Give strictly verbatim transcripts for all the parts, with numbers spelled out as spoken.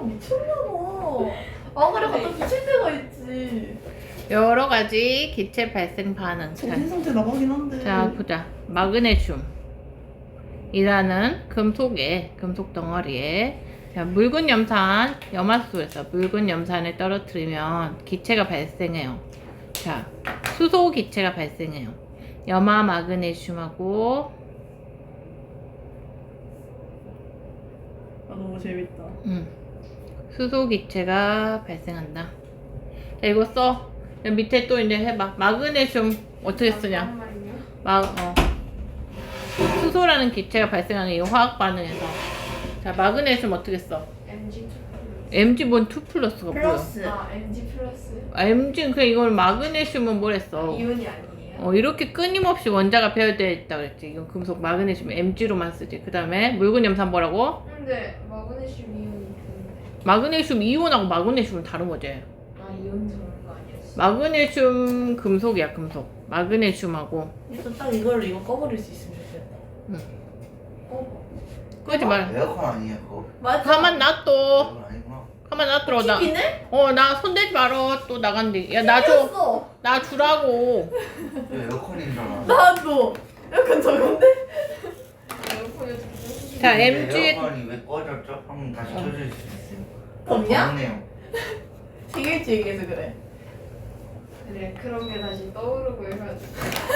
미쳤나봐. 아 그래 갖다 붙일 때가 있지. 여러 가지 기체 발생 반응. 자, 정신 상태 나가긴 한데. 자 보자. 마그네슘 이라는 금속에 금속 덩어리에 자, 묽은 염산 염화수소에서 묽은 염산을 떨어뜨리면 기체가 발생해요. 자, 수소 기체가 발생해요. 염화 마그네슘하고 아 너무 재밌다. 음, 수소 기체가 발생한다. 자, 이거 써. 밑에 또 이제 해봐. 마그네슘 어떻게 쓰냐? 잠깐만요. 마, 어. 수소라는 기체가 발생하는 이 화학 반응에서 자 마그네슘 어떻게 써? 엠지 엠지 뭔 투 플러스가 뭐야? 플러스. 아 엠지 플러스. 아, 엠지는 그냥 이걸 마그네슘은 뭐랬어? 이온이 아니에요. 어 이렇게 끊임없이 원자가 배열되어 있다 그랬지. 이건 금속 마그네슘 엠지로만 쓰지. 그 다음에 묽은 염산 뭐라고? 근데 마그네슘 이온이 좋은데. 마그네슘 이온하고 마그네슘은 다른 거지. 아 이온 좋은 거 아니었어? 마그네슘 금속이야 금속. 마그네슘하고 일단 딱 이걸로 이거 꺼버릴 수 있으면 좋겠다. 어? 끄지 말. 에어컨 아니에요 그거? 맞아. 가만 놔둬. 에어컨 아니구나. 가만 놔둬. 나. TV네? 어 나 손대지 말어. 또 나간대. 야 나 줘. 어 나 주라고. 이거 에어컨이잖아. 나도. 약간 저건데? 에어컨이 좋은 자, 근데 엠지 에어컨이 왜 꺼졌죠? 한번 다시 어. 켜줄 수 있어요. 덥냐? 덥네요. 생일지 얘기해서 그래. 그래 그런 게 다시 떠오르고 해가지고.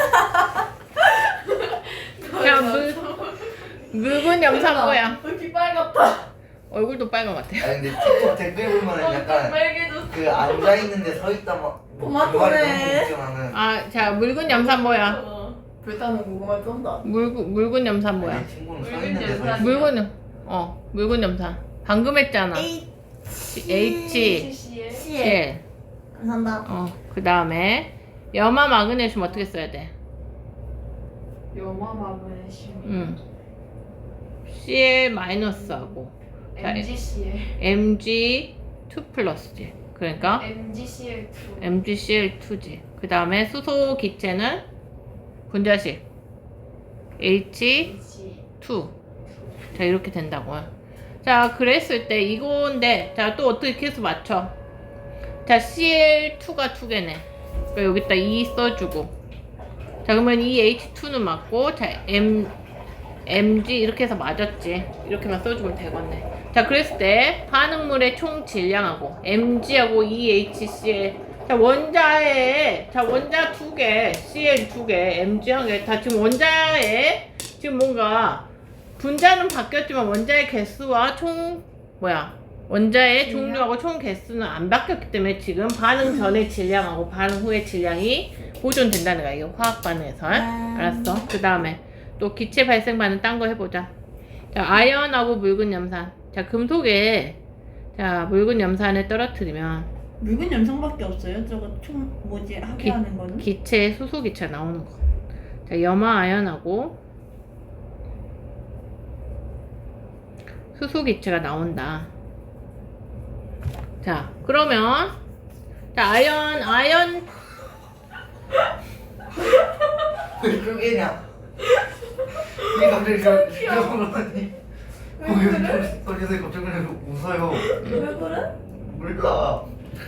야, 물, 묽은 염산 뭐야? 여기 빨갛다. 얼굴도 빨간 것 같아. 아니 근데 틱톡 댓글 보면은 약간 빨개졌어. 그 앉아 있는데 서 있다 막 토마토네. 나는. 아, 자, 묽은 염산 뭐야? 어. 불타는 고구마 쩐다. 묽은, 묽은 염산 뭐야? 아니, 친구는 서 묽은 있는데 서 염산. 있어. 묽은, 염- 어, 묽은 염산. 방금 했잖아. H, H씨의 Cl. 감사합니다. 어, 그 다음에 염화 마그네슘 어떻게 써야 돼? 염화 마그네슘. 음. Cl 마이너스하고 자, 엠지씨의 엠지 투 플러스지. 그러니까 엠지씨의 투. 엠지씨엘 투지. 그 다음에 수소 기체는 분자식 H H 투. 자, 이렇게 된다고요. 자, 그랬을 때 이건데, 자, 또 어떻게 계수 맞춰? 자, 씨엘 투가 두 개네. 그러니까 여기다 이 써주고. 자, 그러면 이 에이치 투는 맞고, 자, M, 엠지 이렇게 해서 맞았지. 이렇게만 써주면 되겠네. 자, 그랬을 때 반응물의 총 질량하고 엠지하고 이 에이치 씨엘 자, 원자에 자, 원자 두 개, 씨엘 두 개, 엠지 한 개. 다 지금 원자에 지금 뭔가 분자는 바뀌었지만 원자의 개수와 총 뭐야? 원자의 질량? 종류하고 총 개수는 안 바뀌었기 때문에 지금 반응 전의 질량하고 반응 후의 질량이 보존된다는 거야. 이거 화학 반응에서. 음. 알았어? 그 다음에 또 기체 발생 반응 딴 거 해보자. 자, 아연하고 묽은 염산. 자, 금속에 자, 묽은 염산을 떨어뜨리면 묽은 염상밖에 없어요. 저거 총 뭐지 하게 기- 하는 거는? 기체 수소 기체가 나오는 거. 자, 염화 아연하고 수소 기체가 나온다. 자, 그러면 자, 아연 아연 왜 그게냐? 이 갑자기 저 저러더니 왜 거기서 갑자기 그냥 웃어요. 왜 그래? 몰라.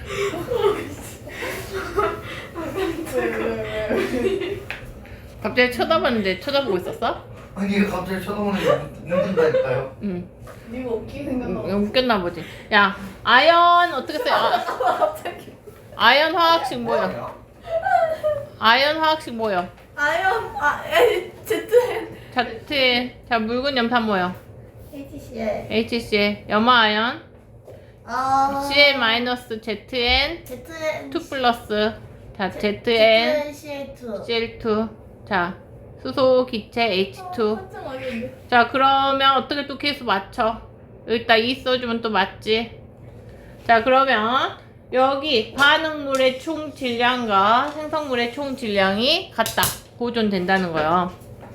왜왜왜 갑자기 쳐다봤는데 쳐다보고 있었어? 아니 얘가 갑자기 쳐다보는 게 웃는다니까요. 응. 네가 웃기 생각나. 음, 웃겼나 보지. 야, 아연 어떻게 써? 아, 갑자기. 아연 화학식 뭐야? 아연 화학식 뭐야? 아연 아 에이 제트엔 자, 트, 자, 묽은 염산 뭐야? 에이치씨에 에이치씨에 염화 아연 아 씨엘 마이너스 제트엔 제트엔 투 플러스 자 제트엔 제트엔 씨엘 투. 씨엘 투 자 수소 기체 에이치 투 한참 아닌데. 자 그러면 어떻게 또 계수 맞춰? 여기다 이 써주면 또 맞지? 자 그러면 여기 반응물의 총 질량과 생성물의 총 질량이 같다 보존된다는 거예요.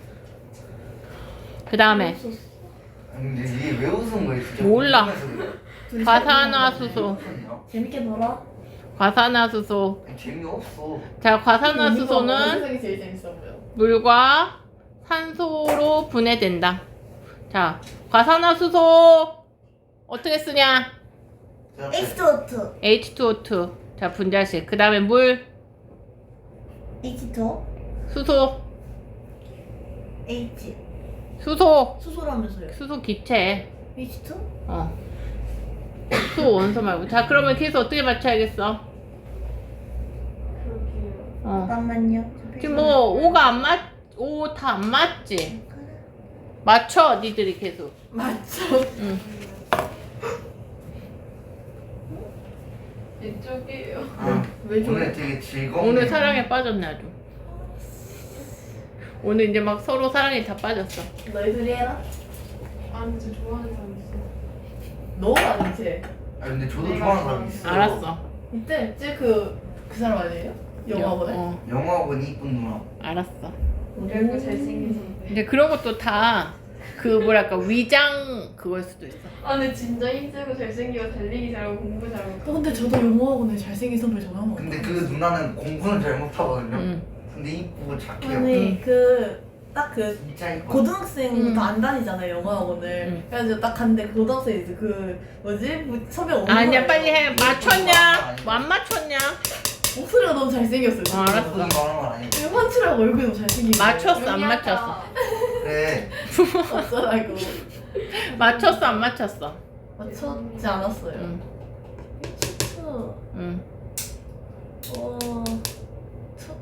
그 다음에 아니 근데 이게 왜 웃은 거예요? 진짜 몰라. 궁금해서 그래요. 둘이 과산화수소 웃었냐? 재밌게 놀아. 과산화수소 아니, 재미없어. 자 과산화수소는 세상이 제일 재밌어 보여. 물과 산소로 분해된다. 자, 과산화수소 어떻게 쓰냐? 에이치 투 오 투. 에이치 투 오 투. 자, 분자식. 그 다음에 물, 에이치 투. 수소, H. 수소, 수소라면서요. 수소 기체. 에이치 투? 어. 수소 원소 말고. 자, 그러면 계속 어떻게 맞춰야겠어? 그렇게요. 어. 잠깐만요. 지금 뭐 오가 안 맞, 오 다 안 맞지? 맞춰, 니들이 계속. 맞죠? 응. 이쪽이에요. 아, 왜 저래? 오늘 되게 즐거운. 오늘 사랑에 빠졌네 아주. 오늘 이제 막 서로 사랑에 다 빠졌어. 너희들이 해라. 아 근데 저 좋아하는 사람 있어. 너 아니지? 아 근데 저도 내가 좋아하는 사람 있어. 알았어. 이때 이제 그, 그 사람 아니에요? 영화보다? 어, 영화학원 이쁜 누나. 알았어. 그리고 잘생긴 선배. 근데 그런 것도 다 그 뭐랄까 위장 그걸 수도 있어. 아 근데 진짜 힘들고 잘생기고 달리기 잘하고 공부 잘하고. 어, 근데 저도 영어학원에 잘생긴 선배 전화 한번 근데 그 누나는 공부는 잘 못하거든요. 응. 근데 이쁘고 착해요. 아니 그 딱 그 진짜 이뻐. 고등학생부터 음. 안 다니잖아요 영어학원을. 음. 그래가지고 딱 갔는데 그 고등학생 이제 그 뭐지 뭐 선배 오는 아니야 거예요. 빨리 해. 맞췄냐? 뭐 안 맞췄냐? 목소리가 너무 잘생겼어요. 어, 알았어. 그건 말하는 건 아니고. 지금 환출하고 얼굴이 너무 잘생기고. 맞췄어 안 맞췄어? 그래. 어쩌라고. 맞췄어 안 맞췄어? 맞췄지 않았어요. 응. 어. 응. 어. 저,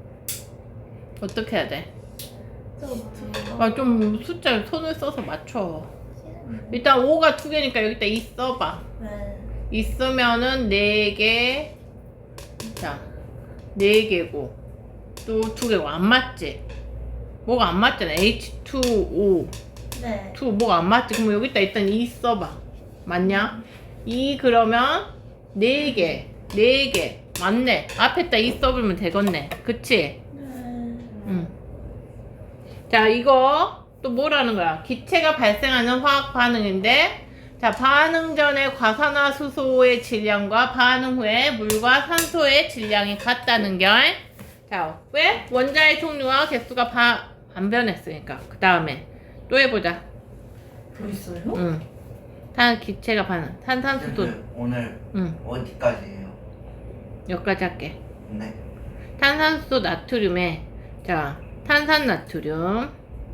어떻게 해야 돼? 저 어떻게? 아, 좀 숫자 손을 써서 맞춰. 일단 오가 두 개니까 여기다 이 써봐. 네. 있으면은 네 개. 자, 네 개고 또 두 개고 안 맞지? 뭐가 안 맞잖아. 에이치 투 오. 네. 투 뭐가 안 맞지? 그럼 여기다 일단 이 써봐. 맞냐? 이 그러면 네 개, 네 개 맞네. 앞에다 이 써보면 되겠네. 그치? 네. 응. 자, 이거 또 뭐라는 거야? 기체가 발생하는 화학 반응인데, 자, 반응 전에 과산화수소의 질량과 반응 후에 물과 산소의 질량이 같다는 걸. 자, 왜? 원자의 종류와 개수가 바, 안 변했으니까. 그 다음에 또 해보자. 더 있어요? 응. 탄 기체가 반응. 탄산수소. 쌤들, 오늘 응. 어디까지예요? 여기까지 할게. 네. 탄산수소 나트륨에 자 탄산나트륨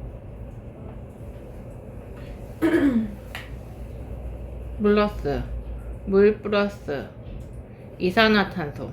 플러스 물 플러스 이산화탄소.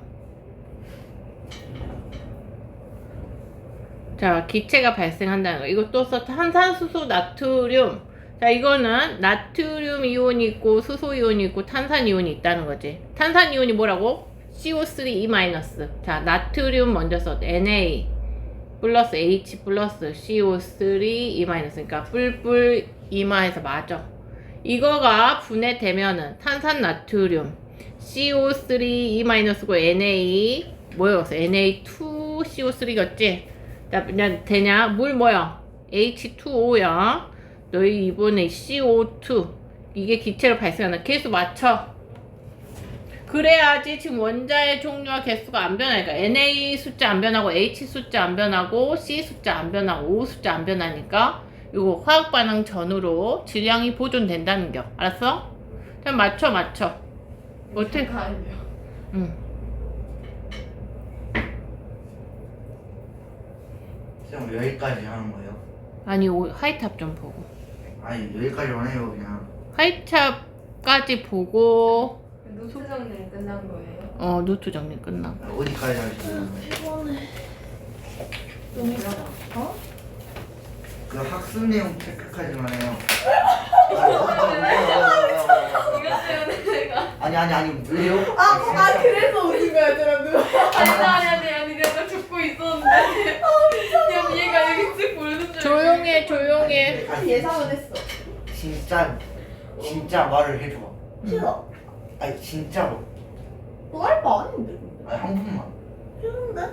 자 기체가 발생한다는 거. 이거 또 써. 탄산수소 나트륨. 자 이거는 나트륨 이온이 있고 수소 이온이 있고 탄산 이온이 있다는 거지. 탄산 이온이 뭐라고? 씨 오 쓰리 이 마이너스. 자 나트륨 먼저 써. 엔 에이 플러스 H 플러스 씨 오 쓰리 이 마이너스. 그러니까 뿔뿔 이마에서 맞아. 이거가 분해되면은 탄산 나트륨 씨 오 쓰리 이 마이너스고 엔 에이 뭐였어? 엔 에이 투 씨 오 쓰리겠지? 자, 그냥 되냐? 물 뭐야? 에이치 투 오야. 너희 이번에 씨 오 투 이게 기체로 발생하는 개수 맞춰. 그래야지 지금 원자의 종류와 개수가 안 변하니까 엔 에이 숫자 안 변하고 H 숫자 안 변하고 C 숫자 안 변하고 O 숫자 안 변하니까 이거 화학 반응 전후로 질량이 보존된다는 겨. 알았어? 그냥 맞춰 맞춰. 어떻게? 가야죠. 응. 쌤 여기까지 하는 거예요? 아니 오, 하이탑 좀 보고. 아니 여기까지만 해요 그냥. 하이탑까지 보고 노트 정리는 끝난 거예요? 어 노트 정리 끝나. 어디까지 하시는 거예요? 피곤해. 너무 힘들어. 어? 그 학습 내용 체크까지만 해요. 이것 때문에 내가 아니 아니 아니 왜요? 아, 아 그래서 오신 거야, 여러분. 아니 아니 아니 아니 내가 죽고 있었는데 그냥 얘가 여기 쓱 보는 줄 조용해 조용해. 사실 예상은 했어. 진짜 진짜 말을 해줘. 싫어. 아니 진짜로. 너할바 아닌데. 근데. 아니 한 번만. 싫은데?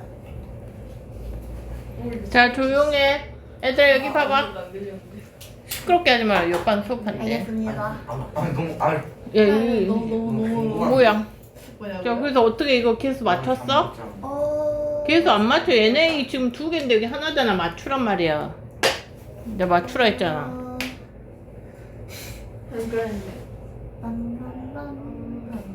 모르겠어. 자 조용해. 얘들아 여기 아, 봐봐. 아무것도 안 들렸는데. 시끄럽게 하지 마라. 옆반 수업한대. 알겠습니다. 아, 아니 너무 아니. 야, 이, 너무 너무 너무 뭐야? 뭐냐고요? 자, 그래서 어떻게 이거 개수 맞췄어? 어. 개수 안 맞춰. 엔 에이 지금 두 개인데 여기 하나잖아. 맞추란 말이야. 내가 맞추라 했잖아. 어. 안 그랬는데. 빰빰빰빰.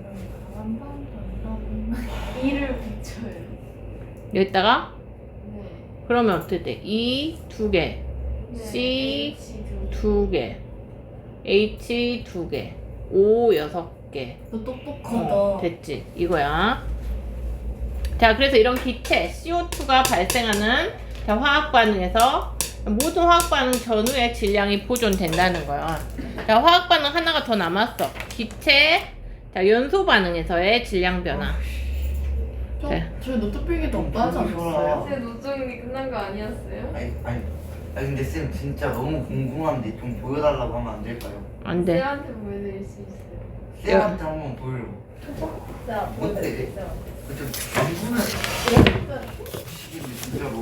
여기다가 네. 그러면 어떻게 돼? E 두 개, C 두 개, H 두 개, O 여섯 개. 너 똑똑하다. 어, 됐지? 이거야. 자, 그래서 이런 기체 씨오투가 발생하는 자, 화학 반응에서 모든 화학 반응 전후의 질량이 보존된다는 거야. 자, 화학 반응 하나가 더 남았어. 기체 자, 연소 반응에서의 질량 변화. 저, 네. 저희 노트필기 더 빠지 않았어요? 제 노정이 끝난 거 아니었어요? 아니 아니 아니 근데 쌤 진짜 너무 궁금한데 좀 보여달라고 하면 안 될까요? 안 돼. 쌤한테 보여드릴 수 있어요. 쌤한테 한번 보여줘. 자, 어때? 보여드릴게요. 좀 궁금해. 시기를 진짜로.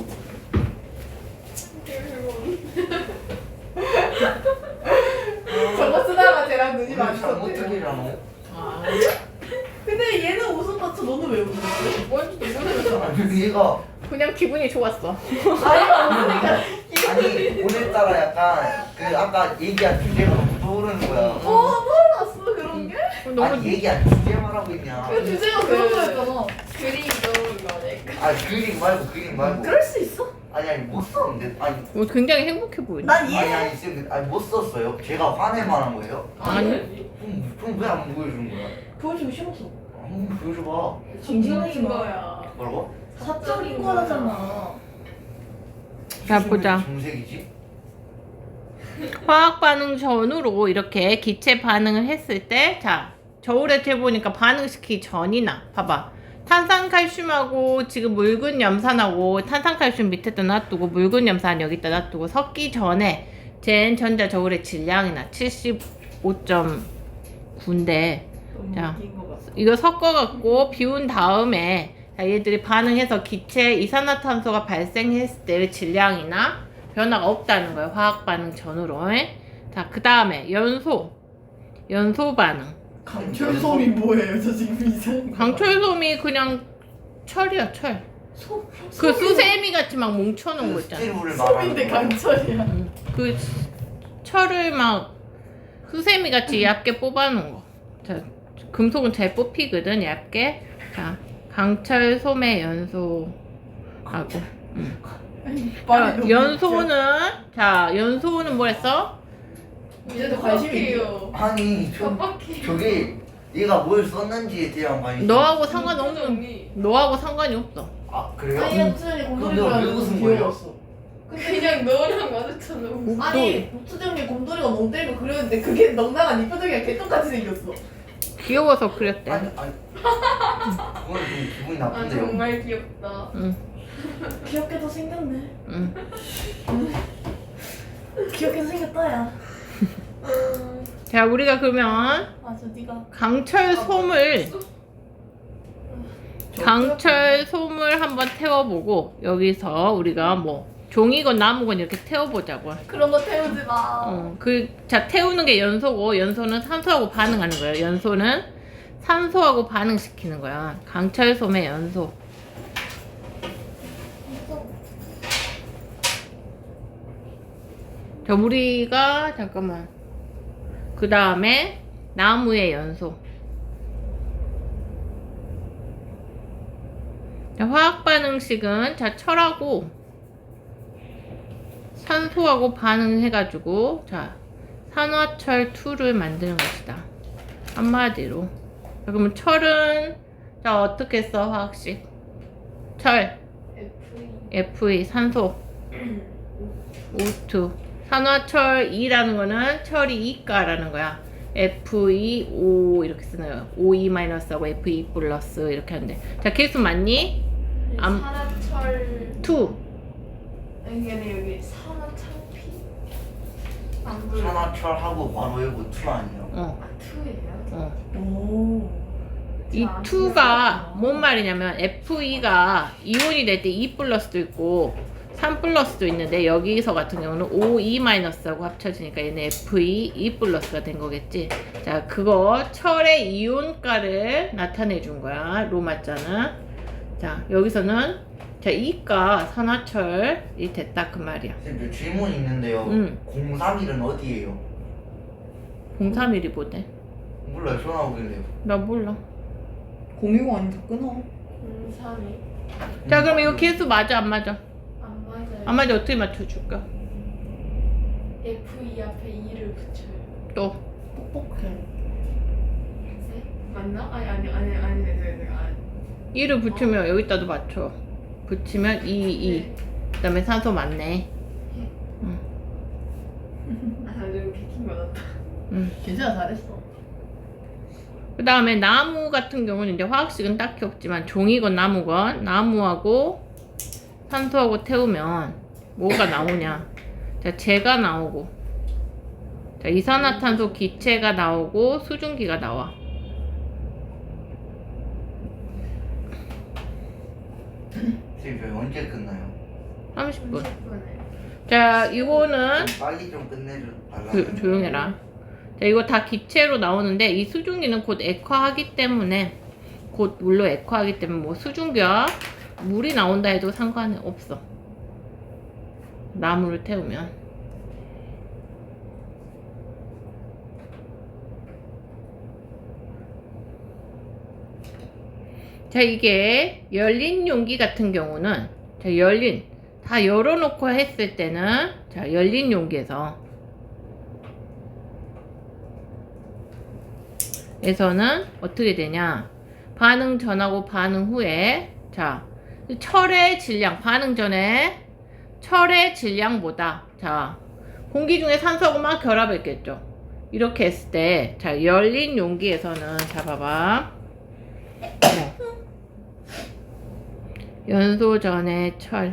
저거 쓰다가 쟤랑 눈이 오늘 마주쳤대. 잘못하기라노? 아, 근데 얘는 웃음 맞춰 너는 왜 웃는 거지? 뭔지 모르겠어. 아니 얘가 그냥 기분이 좋았어. 아이가 웃으니까 아니 오늘따라 약간 그 아까 얘기한 주제가 너무 떠오르는 거야. 어 몰랐어 그런 게? 너무 아니 얘기한 주제 말하고 있냐? 그 주제가 그런 거였잖아. 그림 떠오른 거 아닐까? 아 그림 말고 그림 말고. 그럴 수 있어? 아니 아니 못 썼는데 아니 뭐 굉장히 행복해 보이네. 난 아니 이해. 아니 쌤 아니 못 썼어요? 제가 화낼만 한 거예요? 아니. 그럼 그럼 왜 안 보여주는 거야? 보여주기 싫었어. 한번 보여줘봐. 징징하지 마. 거야. 뭐라고? 사적인 거라잖아. 자, 보자. 정색이지? 화학 반응 전후로 이렇게 기체 반응을 했을 때, 자, 저울에 재보니까 반응시키기 전이나, 봐봐. 탄산칼슘하고 지금 묽은 염산하고 탄산칼슘 밑에다 놔두고 묽은 염산 여기다 놔두고 섞기 전에 젠 전자 저울의 질량이나 칠십오 점 구인데 너무 자. 웃긴 거 같아. 이거 섞어갖고 비운 다음에 자, 얘들이 반응해서 기체 이산화탄소가 발생했을 때의 질량이나 변화가 없다는 거예요. 화학 반응 전후로. 자, 그 다음에 연소. 연소 반응. 강철솜이 뭐예요? 저 지금 이상한 거. 강철솜이 그냥 철이야, 철. 솜? 그 수세미 같이 막 뭉쳐놓은 거 있잖아. 스틸물을 말하는 솜인데 거야. 강철이야. 응. 그 철을 막 수세미 같이 얇게 뽑아놓은 거. 자, 금속은 잘 뽑히거든, 얇게. 자, 강철솜의 연소하고. 응. 자, 연소는 자, 연소는 뭐랬어? 이제도 관심이 있어. 아니 저, 깜빡해. 저게 얘가 뭘 썼는지에 대한 관심이 너하고 상관없는. 정리. 너하고 상관이 없어. 아 그래요? 아니 무수정이 그럼 곰돌이 내가 왜 좋아하는 웃은 거 거예요? 귀여웠어. 그냥 너랑 마주쳐놓고. 아니 무수정이 곰돌이가 멍 때리고 그랬는데 그게 넉나간 이 표정이랑 개똥같이 생겼어. 귀여워서 그렸대. 아니 아니 그건 좀 기분이 아 나쁜데요. 정말 귀엽다. 응, 귀엽게도 생겼네. 응. 귀엽게도 생겼다 야. 자, 우리가 그러면 맞아 네가. 강철솜을 강철솜을 한번 태워보고 여기서 우리가 뭐 종이건 나무건 이렇게 태워보자고. 그런 거 태우지 마. 어, 그, 자, 태우는 게 연소고, 연소는 산소하고 반응하는 거예요. 연소는 산소하고 반응시키는 거야. 강철솜의 연소. 자, 우리가, 잠깐만. 그 다음에, 나무의 연소. 자, 화학 반응식은, 자, 철하고, 산소하고 반응해가지고 자 산화철 이를 만드는 것이다. 한마디로. 자, 그러면 철은 자 어떻게 써 화학식? 철 에프이. 에프이 산소 오 투 산화철 이라는 거는 철이 이가라는 거야. 에프이 오 이렇게 쓰는 거야. 오이 마이너스하고 에프이 플러스 이렇게 하는데 자 계수 맞니? 암- 산화철. 이 아니 아니 여기 산화철피. 안 보여. 산화철하고 바로 이거 투 아니에요? 어, 아 투예요? 어. 오. 이 이가 뭔 말이냐면 에프이가 이온이 될 때 이 플러스도 있고 삼 플러스도 있는데 여기서 같은 경우는 오 이 마이너스하고 합쳐지니까 얘는 에프이 이 플러스가 된 거겠지. 자, 그거 철의 이온가를 나타내 준 거야. 로마자는. 자, 여기서는 자, 이가 산화철이 됐다 그 말이야. 쌤, 저 질문 있는데요. 응. 공삼일은 어디예요? 공삼일이 뭐대? 몰라요. 전화 오길래요. 나 몰라. 공유가 아니다 끊어. 공삼이. 자 그럼 이거 개수 맞아 안 맞아? 안 맞아요. 안 맞아 어떻게 맞춰줄까? 에프 이 앞에 이를 붙여요. 또 뻑뻑해. 네? 맞나? 아니 아니 아니 아니 네, 네, 네, 아니. 이를 붙이면 여기다도 맞춰. 붙이면 이, 이. 네. 그다음에 산소 맞네. 아 나중에 비킨 거 같다. 응. 괜찮아, 잘했어. 그 다음에 나무 같은 경우는 이제 화학식은 딱히 없지만 종이건 나무건 나무하고 산소하고 태우면 뭐가 나오냐. 자, 재가 나오고, 자, 이산화탄소 기체가 나오고 수증기가 나와. 지금 저희 언제 끝나요? 삼십 분. 삼십 분에. 자, 이거는 빨리 좀 끝내줘 달라. 조, 조용해라. 자, 이거 다 기체로 나오는데 이 수증기는 곧 액화하기 때문에 곧 물로 액화하기 때문에 뭐 수증기와 물이 나온다 해도 상관이 없어. 나무를 태우면. 자, 이게 열린 용기 같은 경우는 자, 열린 다 열어놓고 했을 때는 자, 열린 용기에서 에서는 어떻게 되냐? 반응 전하고 반응 후에 자, 철의 질량 반응 전에 철의 질량보다 자, 공기 중에 산소하고 막 결합했겠죠. 이렇게 했을 때 자, 열린 용기에서는 자, 봐봐. 자, 연소 전에 철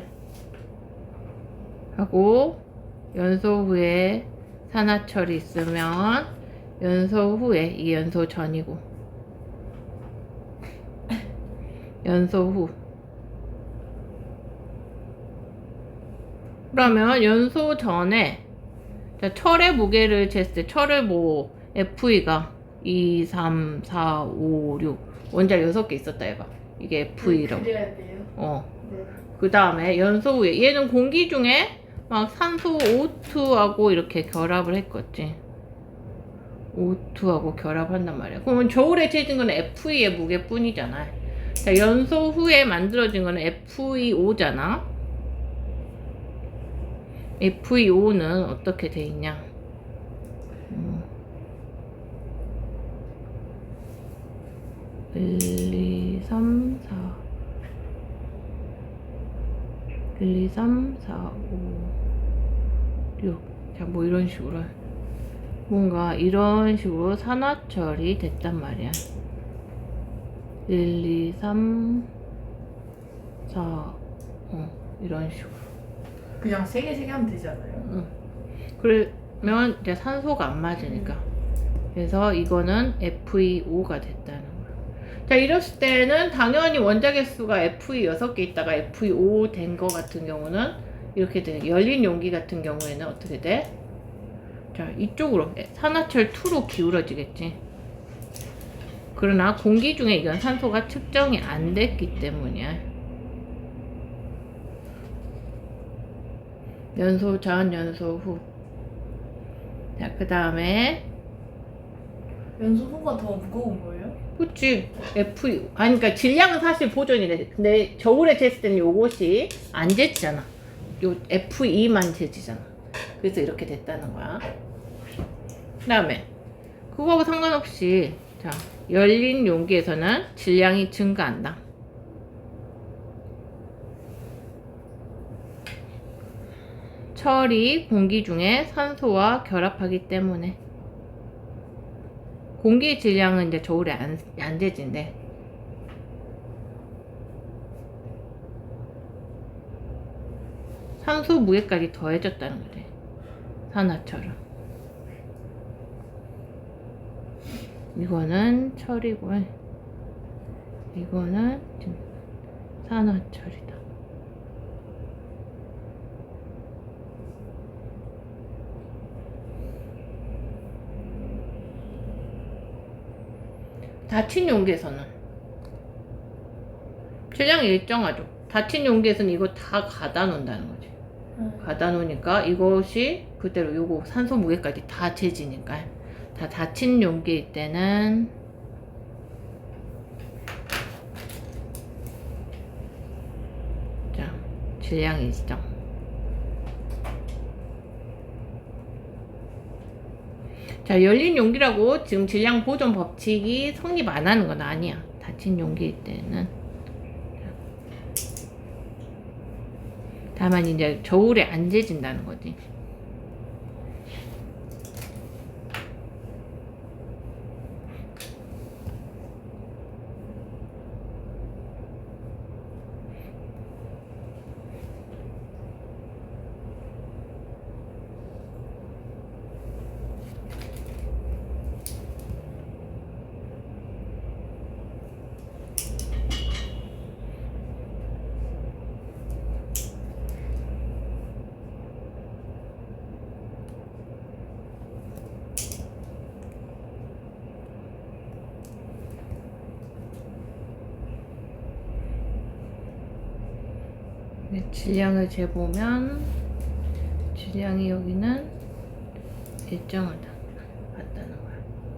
하고 연소 후에 산화철이 있으면 연소 후에 이 연소 전이고 연소 후 그러면 연소 전에 자, 철의 무게를 쟀을 때 철을 뭐 에프이가 이, 삼, 사, 오, 육 원자 여섯 개 있었다 해봐. 이게 에프이라고. 그래야 돼요. 어. 네. 그 다음에 연소 후에 얘는 공기 중에 막 산소 오 투하고 이렇게 결합을 했겠지. 오 투하고 결합한단 말이야. 그러면 저울에 재진 거는 에프이의 무게뿐이잖아. 자, 연소 후에 만들어진 거는 에프이 오잖아. 에프이 오는 어떻게 돼 있냐? 음. 일, 이, 삼, 사 일, 이, 삼, 사, 오, 육 자, 뭐 이런 식으로 뭔가 이런 식으로 산화철이 됐단 말이야. 일, 이, 삼, 사, 어, 이런 식으로. 그냥 세 개, 세 개 하면 되잖아요. 응. 그러면 이제 산소가 안 맞으니까. 그래서 이거는 에프이 오가 됐다는 거야. 자, 이랬을 때는 당연히 원자 개수가 에프이 여섯 개 있다가 에프이 오 된 거 같은 경우는 이렇게 돼. 열린 용기 같은 경우에는 어떻게 돼? 자, 이쪽으로 산화철 이로 기울어지겠지. 그러나 공기 중에 이건 산소가 측정이 안 됐기 때문이야. 연소 전, 연소 후. 자, 그 다음에 연소 후가 더 무거운 거예요? 그치. 에프이 오. 아니, 그니까 질량은 사실 보존이 돼. 근데 저울에 쟀을 때는 요것이 안 재지잖아. 요 에프이 이만 재지잖아. 그래서 이렇게 됐다는 거야. 그 다음에 그거하고 상관없이 자, 열린 용기에서는 질량이 증가한다. 철이 공기 중에 산소와 결합하기 때문에 공기 질량은 이제 저울에 안, 안 재진대. 산소 무게까지 더해졌다는 거지. 산화철은. 이거는 철이고, 이거는 지금 산화철이다. 닫힌 용기에서는 질량이 일정하죠. 닫힌 용기에서는 이거 다 가다 놓는다는 거지. 음. 가다 놓으니까 이것이 그대로 요거 산소 무게까지 다 재지니까 다 닫힌 용기일 때는 질량 일정. 자, 열린 용기라고 지금 질량 보존 법칙이 성립 안 하는 건 아니야. 닫힌 용기일 때는. 다만 이제 저울에 안 재진다는 거지. 질량을 재보면 질량이 여기는 일정하다 맞다는 거야.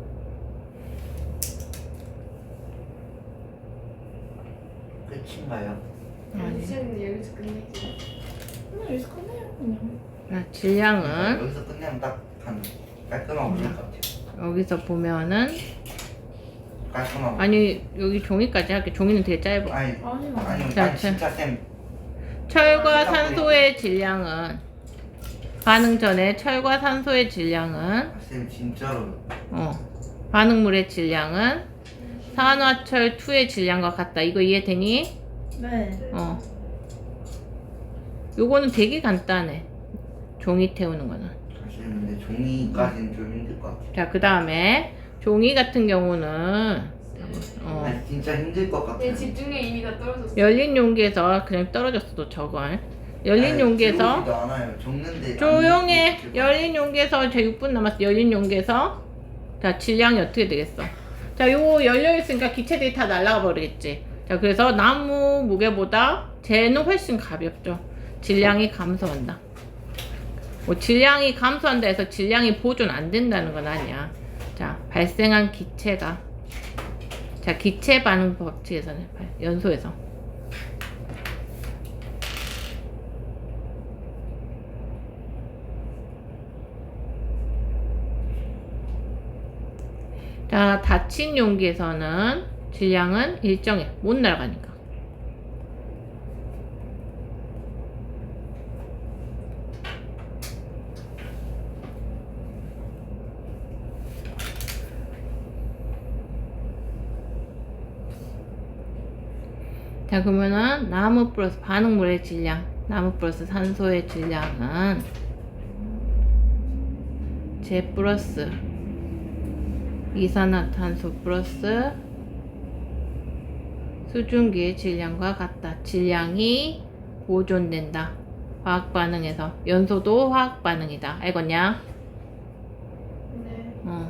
끝인가요? 아니. 이제는 여기서 끝내지. 그냥 여기서 끝내요 그냥. 자, 질량은 여기서 끝내면 딱한 깔끔하고 그럴 것 같아요. 여기서 보면은 깔끔하고. 아니 여기 종이까지 할게. 종이는 되게 짧아. 아니 아니 아니 자, 아니 진짜 쌤. 철과 산소의 질량은 반응 전에 철과 산소의 질량은 아, 쌤 진짜로. 어 반응물의 질량은 산화철 이의 질량과 같다. 이거 이해되니? 네. 어 요거는 되게 간단해. 종이 태우는 거는. 사실 근데 종이까지는 좀 힘들 것 같아요. 자, 그 다음에 종이 같은 경우는 어, 아니 진짜 힘들 것 같아요. 내 집중력 이미 다 떨어졌어. 열린 용기에서 그냥 떨어졌어도 저걸 열린 아니, 용기에서 들어오지도 않아요. 적는데 조용해. 안 들어오고 열린 용기에서 제 육 분 남았어. 열린 용기에서 자 질량이 어떻게 되겠어? 자, 요거 열려 있으니까 기체들이 다 날아가 버리겠지. 자, 그래서 나무 무게보다 쟤는 훨씬 가볍죠. 질량이 감소한다. 뭐 질량이 감소한다 해서 질량이 보존 안 된다는 건 아니야. 자, 발생한 기체가 자, 기체 반응 법칙에서는 연소에서 자, 닫힌 용기에서는 질량은 일정해. 못 날아가니까. 자, 그러면은 나무 플러스 반응물의 질량, 나무 플러스 산소의 질량은 제 플러스 이산화탄소 플러스 수증기의 질량과 같다. 질량이 보존된다. 화학 반응에서 연소도 화학 반응이다. 알겠냐? 네. 어,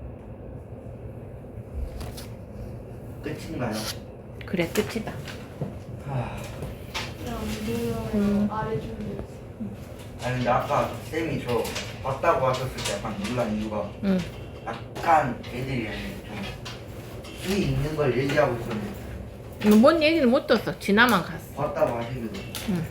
끝인가요? 그래 끝이다. 하... 그냥 무료로 음. 아래 줄을. 아니 근데 아까 쌤이 저 봤다고 하셨을 때 약간 놀란 이유가 응. 약간 애들이 좀 수위 있는 걸 얘기하고 있었는데 뭐, 뭔 얘기는 못 들었어. 지나만 갔어. 봤다고 하시기도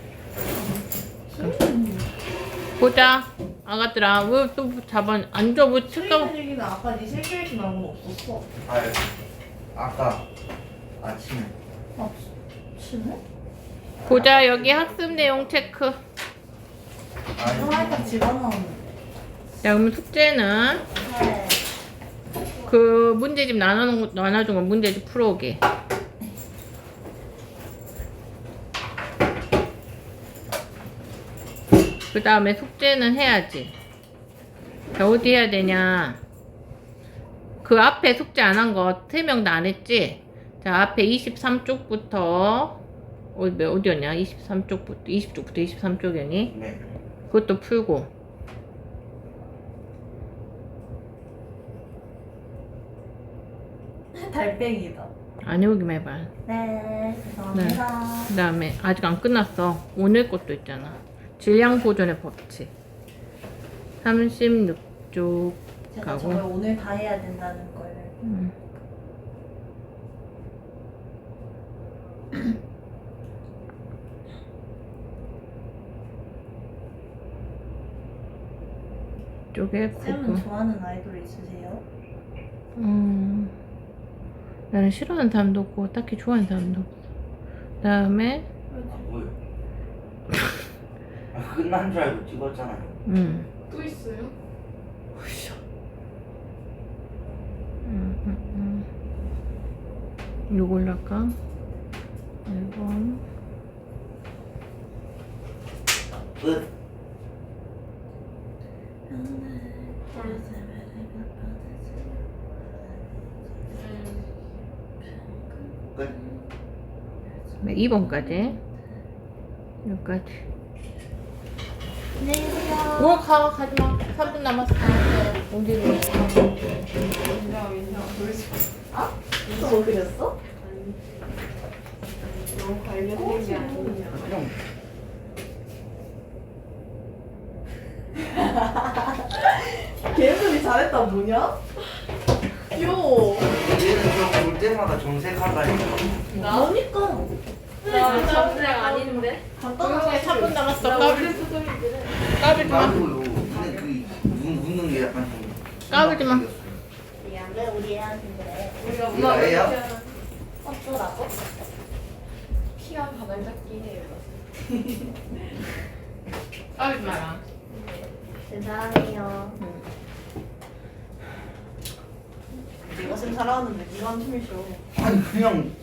보자. 아가들아, 왜 또 잡아? 앉아, 뭐 칠까? 수익 얘기는 아까 네 실기에서 나온 거 없었어. 아 아까 아침에 아, 치네? 보자, 여기 학습 내용 체크. 아니 하니까 집어넣는. 자, 그럼 숙제는 네. 그 문제집 나눠놓은 거, 나눠준 거 문제집 풀어오기. 그 다음에 숙제는 해야지. 자, 어디 해야 되냐. 그 앞에 숙제 안 한 거 세 명 다 안 했지? 자, 앞에 이십삼 쪽부터 어디, 어디였냐? 이십삼 쪽부터 이십 쪽부터 이십삼 쪽이니? 네. 그것도 풀고. 달팽이다. 안 해오기만 해봐. 네, 죄송합니다. 그 다음에 아직 안 끝났어. 오늘 것도 있잖아. 질량 보존의 법칙. 삼십육 쪽 제가 가고. 정말 오늘 다 해야 된다는 걸. 음. 이쪽에 쌤은 고구. 좋아하는 아이돌 있으세요? 음, 나는 싫어하는 사람도 없고 딱히 좋아하는 사람도 없어. 그다음에 아 뭐요? 아, 끝난 줄 알고 찍었잖아요. 음, 또 있어요? 음, 음, 음. 요걸로 할까? 앨범. 끝. 끝. 네, 이 번까지. 여기까지. 안녕하세요. 뭘 가, 가지마. 삼 분 남았어. 어디로? 민정 민정 보여줘. 또 뭐 그렸어? 너무 관련된 게 아니냐. 그냥 걔네들이 잘했다 뭐냐? 귀여워. 얘는 저볼 때마다 정색하다니까. 나오니까. 나 정생 아닌데? 간단하게 삼 분 남았어. 나 까불, 원래 수정이들은 까불지 마. 나도요. 근데 그 웃- 웃는 게 약간 좀 까불지 마. 미안해, 우리 애한테 그래. 우리가 이거 A야? 어쩌라고? 키가 가장 작긴 해요. 까불지 마라. 죄송해요. 네가 쌤 사랑하는데 네가 한 춤을 쉬어. 아니 그냥